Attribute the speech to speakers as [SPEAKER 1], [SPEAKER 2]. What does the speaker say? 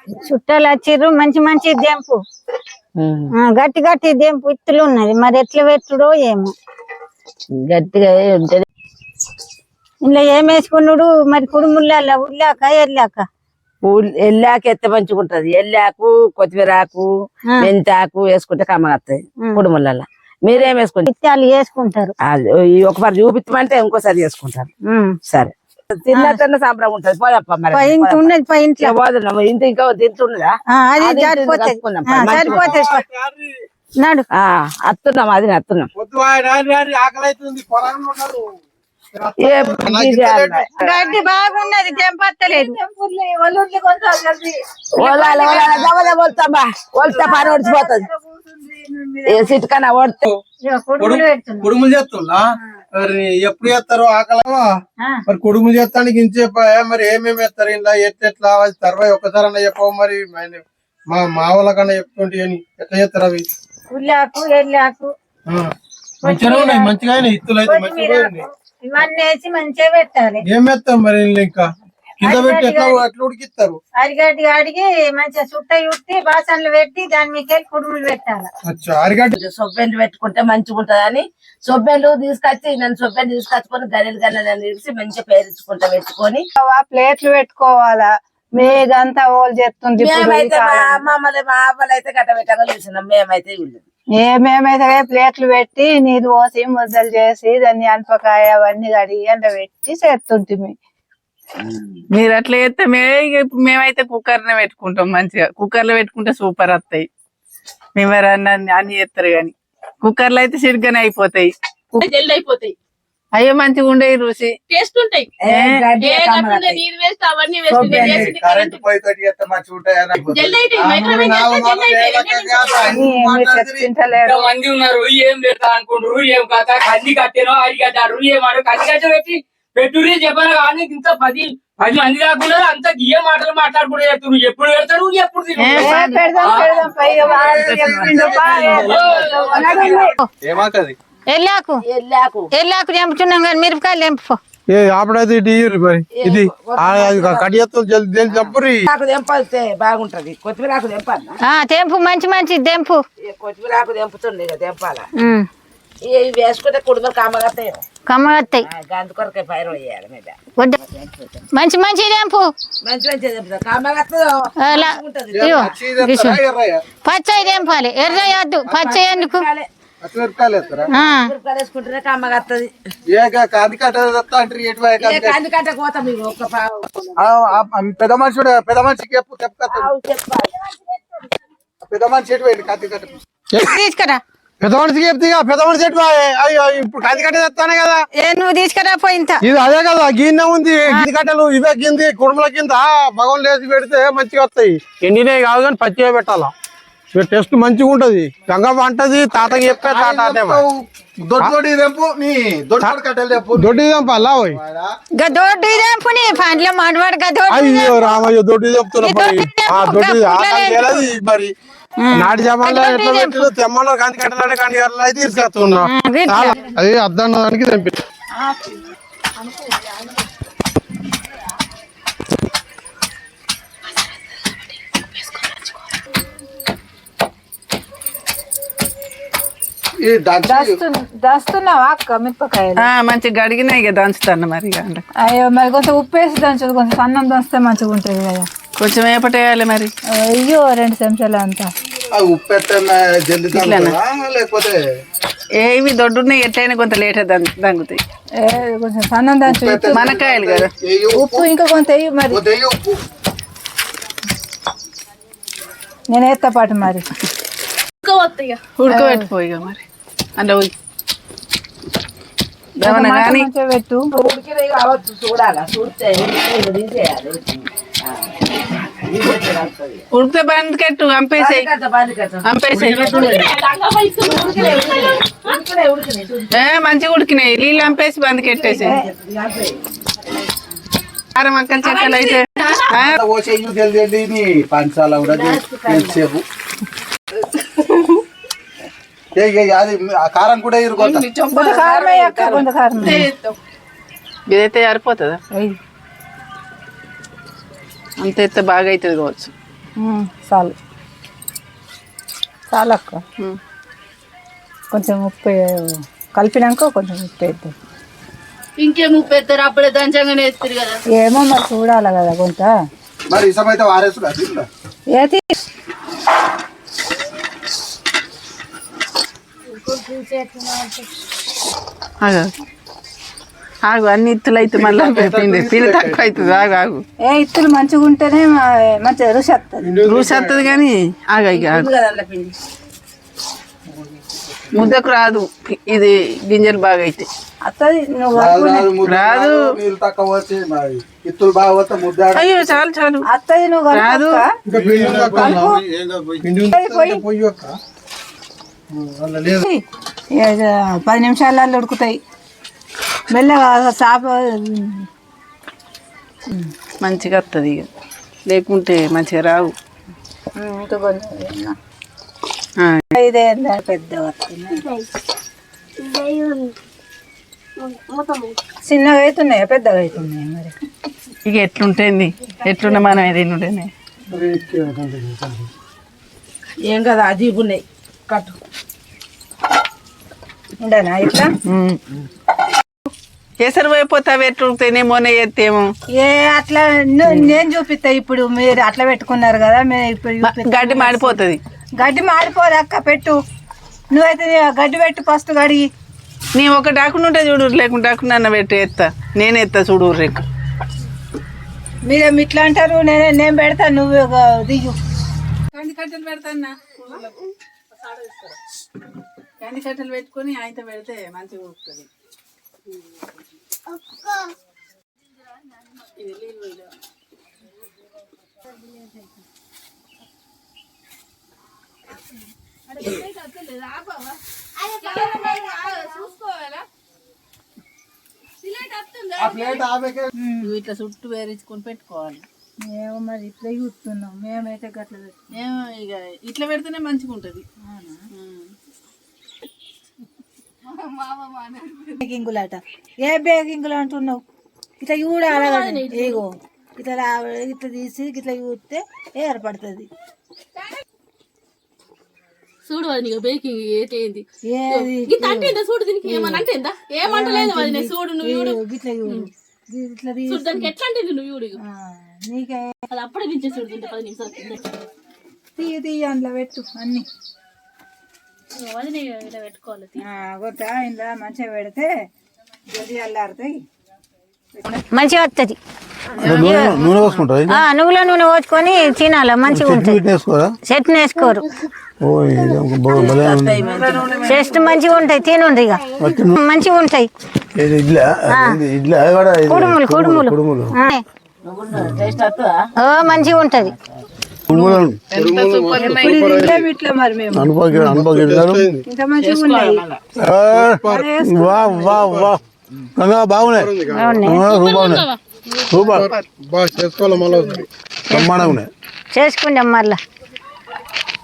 [SPEAKER 1] చుట్టాలు వచ్చిర్రు మంచి మంచి దెంపు గట్టి గట్టి దెంపు ఇత్తులు ఉన్నది మరి ఎట్లా పెట్టుడో ఏమో
[SPEAKER 2] గట్టిగా ఉంటది.
[SPEAKER 1] ఇంట్లో ఏం వేసుకున్నాడు మరి కుడుముల్లా ఉల్లాక ఎల్లాక
[SPEAKER 2] ఎల్లాక ఎత్తే మంచిగా ఉంటది. ఎల్లాకు కొత్తిమీర ఆకు మెంతాకు వేసుకుంటే కమ్మగత్తది కుడుములలో. మీరేం వేసుకుంటారు?
[SPEAKER 1] ఇత్తాలు వేసుకుంటారు.
[SPEAKER 2] ఒకసారి చూపించమంటే ఇంకోసారి చేసుకుంటారు. సరే తిన్నట్టు సంబరం ఉంటది. పోదప్ప మరి
[SPEAKER 1] ఉన్నది ఇంట్లో
[SPEAKER 2] పోదున్నాము. ఇంత ఇంకా తింటున్నదా?
[SPEAKER 1] అది సరిపోతుంది. నాడు
[SPEAKER 2] అత్తున్నాం అది అత్తున్నాం.
[SPEAKER 1] గడ్డి బాగున్నది తెంపత్తలేదు.
[SPEAKER 2] పని ఒడిచిపోతుంది. సిట్కన్నా ఓడితే
[SPEAKER 3] కుడుములు చేస్తున్నా మరి ఎప్పుడు చేస్తారు? ఆకలవా మరి కుడుములు చేస్తానికి ఇంచేపాయ మరి ఏమేమి వేస్తారు ఇలా ఎట్లా తర్వాత ఒక్కసారి చెప్పవు మరి మా వాళ్ళకన్నా చెప్తుంటే అని ఎట్లా చేస్తారు అవి?
[SPEAKER 1] ఉల్లాకు ఎల్లాకు
[SPEAKER 3] మంచిగా ఉన్నాయి. మంచిగా ఇత్తులు అయితే మంచిగా
[SPEAKER 1] ఇవన్నీ వేసి మంచిగా పెట్టాలి.
[SPEAKER 3] ఏం వేస్తాం మరి ఇంకా కింద పెట్టి ఎట్లా ఉడికిస్తారు?
[SPEAKER 1] అరిగడ్డి అడిగి మంచిగా చుట్ట ఉట్టి బాసన్లు పెట్టి దాని మీద కుడుములు పెట్టాలి.
[SPEAKER 3] అరిగడ్డి
[SPEAKER 2] సొబ్బెండ్లు పెట్టుకుంటే మంచిగా ఉంటది అని సొబ్బెండ్లు తీసుకొచ్చి నన్ను సొబ్బెండ్లు తీసుకొచ్చుకొని గల్లెలు గల్లెలు తీసి మంచిగా పేరించుకుంటా పెట్టుకొని
[SPEAKER 4] ప్లేట్లు పెట్టుకోవాలా. మేదంతా ఓలు చేస్తుంది.
[SPEAKER 2] మేమైతే మమ్మల్ని మా అవ్వలు అయితే గట్ట పెట్టగా చూసినాం. మేమైతే
[SPEAKER 4] మేమైతే ప్లేట్లు పెట్టి నీరు పోసి ముద్దలు చేసి దాన్ని అనపకాయ అవన్నీ కడిగి ఎండ పెట్టి చేస్తుంటిమి.
[SPEAKER 5] మీరు అట్లా చేస్తే మేమైతే కుక్కర్ నే పెట్టుకుంటాం. మంచిగా కుక్కర్ లో పెట్టుకుంటే సూపర్ వస్తాయి. మేము అన్ని చేస్తారు గాని కుక్కర్ లో అయితే సిరిగ్గానే అయిపోతాయి.
[SPEAKER 6] జల్ది అయిపోతాయి.
[SPEAKER 5] అయ్యో మంచిగా ఉండే రుచి
[SPEAKER 6] టేస్ట్ ఉంటాయి. నీరు వేస్ట్ అవన్నీ
[SPEAKER 7] మంది ఉన్నారు. ఏం పెడతా అనుకుంటారు? ఏం కథ కల్లి కట్టారో అరిగట్టారు ఏమాడు కల్లి కట్ట పెట్టి పెట్టుర్రి చెప్పాను కానీ ఇంత 10 మంది కాకుండా అంత ఏ మాటలు మాట్లాడుకుంటూ చెప్తారు. ఎప్పుడు పెడతారు ఎప్పుడు
[SPEAKER 3] ఏమాకది
[SPEAKER 1] ఎల్లాకు ఎల్లాకు తెంపుతున్నాం కానీ మిరపకాయలు తెంపు.
[SPEAKER 3] ఆపడైతే ఇది చంపురి
[SPEAKER 2] బాగుంటది. కొత్తిమీర ఆకు తెంపాలి.
[SPEAKER 1] తెంపు మంచి మంచి తెంపు.
[SPEAKER 2] కొత్తిమీర ఆకు తెంపుతుంది తెంపాల. ఇవి వేసుకుంటే కుటుంబం కమ్మగత్తాయి.
[SPEAKER 1] కమ్మగత్తాయి.
[SPEAKER 2] గంత కొరకే పైరు వేయాలి మీద.
[SPEAKER 1] మంచి మంచి తెంపు.
[SPEAKER 2] మంచి మంచి తెంపుతా కమ్మగత్తదో
[SPEAKER 1] పచ్చయి తెంపాలి. ఎర్ర వద్దు పచ్చయి ఎందుకు?
[SPEAKER 2] వేసుకుంటేనే కమ్మగత్తది.
[SPEAKER 3] పెద్ద మనిషి పెద్ద మనిషికి పెద్ద మనిషి
[SPEAKER 1] తీసుకురా.
[SPEAKER 3] పెద్ద మనిషికి చెప్తే పెద్ద మనిషి అయ్యో ఇప్పుడు కంది కట్ట తెస్తానే కదా.
[SPEAKER 1] నువ్వు తీసుకురా పోయింత.
[SPEAKER 3] ఇది అదే కదా గిన్నె ఉంది. కంది కట్టలు ఇవే కింది కుడుముల కింద భగవాన్ లేచి పెడితే మంచిగా వస్తాయి. ఎండినవి కాదు కానీ పచ్చిగా పెట్టాలా. టేస్ట్ మంచిగా ఉంటది. గంగ అంటది తాతకి చెప్పే తాత దొడ్డి తెంపాలా? అయ్యో రామయ్య దొడ్డి తెంపుతున్నా. మరి నాటి జమాన్లో ఎట్లా పెట్టు తెమ్మలో కంది కట్టాలంటే కంది కట్టాలి అయితే తీసుకొస్తున్నా. అది అద్దన్నదానికి తెంపి
[SPEAKER 4] దంచుతున్నావా అక్క మిరపకాయలు?
[SPEAKER 5] మంచిగా గడిగినాయి కదా దంచుతాను మరి.
[SPEAKER 4] అయ్యో మరి కొంచెం ఉప్పు వేసి దంచదు, కొంచెం సన్నం దంచితే మంచిగా ఉంటుంది కదా.
[SPEAKER 5] కొంచెం ఏపటేయాలి మరి.
[SPEAKER 4] అయ్యో 2 చెంచాలు అంతా
[SPEAKER 3] ఉప్పు లేకపోతే
[SPEAKER 5] ఏవి దొడ్డున్నాయి ఎట్లయినా కొంత లేట్ దంగుతాయి.
[SPEAKER 4] కొంచెం సన్నం దంచు.
[SPEAKER 5] మనకాయలు కదా.
[SPEAKER 4] ఉప్పు ఇంకా కొంత వేయి మరి. నేను వేస్తా పాటు మరి.
[SPEAKER 5] ఉడకబెట్టిపోయిగా మరి అంటే
[SPEAKER 4] పెట్టు.
[SPEAKER 2] కావచ్చు చూడాలా. చూస్తే
[SPEAKER 5] ఉడికితే బందికెట్టు అంపేసాయి. మంచిగా ఉడికినాయి. నీళ్ళు అంపేసి బందికెట్టేసాయి. కారం అక్కల చెక్కలు అయితే
[SPEAKER 3] పంచాల కారం కూడా
[SPEAKER 5] ఇదైతే సరిపోతుందా? అంత ఎత్తే బాగా అవుతుంది కావచ్చు.
[SPEAKER 4] చాలు చాలు అక్క కొంచెం ఉప్పు కలిపినాక కొంచెం ఉప్పు వేద్దాం.
[SPEAKER 6] ఇంకేం ఉప్పు ఎత్తారు అప్పుడే దంచంగానే ఎత్తారు కదా.
[SPEAKER 4] ఏమో మరి చూడాలి కదా కొంత
[SPEAKER 3] మరి ఇసం అయితే వారేసు
[SPEAKER 4] ఏది
[SPEAKER 5] ఆగు అన్ని ఇత్తులు అయితే మళ్ళీ పిండి పిండి తక్కువ అవుతుంది. ఆగు
[SPEAKER 4] ఏ ఇత్తులు మంచిగా ఉంటేనే మంచిగా రుచి వస్తుంది.
[SPEAKER 5] రుచి వస్తుంది కానీ ఆగు ఇక ఆగు. ముద్దకు రాదు ఇది గింజలు బాగా అయితే
[SPEAKER 4] వస్తుంది.
[SPEAKER 5] రాదు.
[SPEAKER 3] తక్కువ వచ్చి ఇత్తులు బాగా వస్తే ముద్ద
[SPEAKER 5] అయ్యో చాలు చాలు
[SPEAKER 4] వస్తుంది. నువ్వు
[SPEAKER 5] రాదు.
[SPEAKER 3] పొయ్యి యొక్క లేదు
[SPEAKER 4] 10 నిమిషాలలో ఉడుకుతాయి. మెల్లగా చాప
[SPEAKER 5] మంచిగా వస్తుంది ఇక లేకుంటే మంచిగా రావు.
[SPEAKER 4] ఇంకా కొంచెం ఇదే పెద్దగా వస్తుంది. చిన్నగా అవుతున్నాయా పెద్దగా అవుతున్నాయా మరి
[SPEAKER 5] ఇక ఎట్లుంటుంది ఎట్లున్నా మనం ఏదైనా ఉంటేనే
[SPEAKER 2] ఏం కదా అజీబు ఉన్నాయి కట్టు
[SPEAKER 4] ఉండనా ఇట్లా
[SPEAKER 5] ఎసరు అయిపోతావు ఎట్లుంటేనేమోనే ఎత్తేమో
[SPEAKER 4] ఏ అట్లా నేను చూపిస్తా. ఇప్పుడు మీరు అట్లా పెట్టుకున్నారు కదా మేము ఇప్పుడు
[SPEAKER 5] గడ్డి మాడిపోతుంది.
[SPEAKER 4] గడ్డి మాడిపోదు అక్క పెట్టు. నువ్వైతే గడ్డి పెట్టు ఫస్ట్ గడిగి.
[SPEAKER 5] నీ ఒక డాకుండా ఉంటే చూడు లేకుంటే డాకుండా అన్న పెట్టి ఎత్తా నేను ఎత్తా చూడు రేకు.
[SPEAKER 4] మీరు ఇట్లా అంటారు నేను పెడతా నువ్వు దిగు.
[SPEAKER 5] కంది కట్టెలు పెడతాన్నా కంది కట్టెలు పెట్టుకొని ఆయన పెడితే మంచిగా ఉంటుంది.
[SPEAKER 6] నువ్వు ఇట్లా చుట్టూ వేరించుకొని పెట్టుకోవాలి.
[SPEAKER 4] మేము మరి ఇట్లా చూస్తున్నాం. మేమైతే గట్ల
[SPEAKER 6] మేము ఇక ఇట్లా పెడితేనే మంచిగా ఉంటది.
[SPEAKER 4] బేకింగులట ఏ బేకింగులు అంటున్నావు? ఇట్లా చూడాలి. ఇగో ఇట్లా ఇట్లా తీసి ఇట్లా చూస్తే ఏర్పడుతుంది.
[SPEAKER 6] చూడు అది నీకు బేకింగ్ ఏంటి
[SPEAKER 4] ఏది
[SPEAKER 6] అంటే చూడు దీనికి ఏమన్నా అంటే ఏమంటలేదు అది చూడు నువ్వు చూడు
[SPEAKER 4] ఇట్లా చూడు ఇట్లా
[SPEAKER 6] చూడు దానికి ఎట్లా అంటే నువ్వు చూడు
[SPEAKER 4] నీకే
[SPEAKER 6] అది అప్పుడే దించే చూడు తింటే 10 నిమిషాలు
[SPEAKER 4] తీయ అందులో పెట్టు అన్ని
[SPEAKER 6] అది ఇలా పెట్టుకోవాలి.
[SPEAKER 4] కొత్త ఇంట్లో మంచిగా పెడితే జల్దీ అల్లారుతాయి.
[SPEAKER 1] మంచిగా వస్తుంది.
[SPEAKER 3] నూనె పోసుకుంటారు
[SPEAKER 1] నువ్వుల నూనె పోసుకొని తినాలి మంచిగా ఉంటుంది. చెట్టు వేసుకోరు చెస్ట్ మంచిగా ఉంటాయి. తినుండ్రి ఇక మంచిగా ఉంటాయి. కుడుములు కుడుములు మంచిగా ఉంటది.
[SPEAKER 4] ఇట్లా మరి మేము ఇంత మంచిగా ఉన్నాయి.
[SPEAKER 3] బాగున్నాయి సూపర్ చేసుకోవాలి. మళ్ళీ
[SPEAKER 1] చేసుకుందాం మళ్ళా.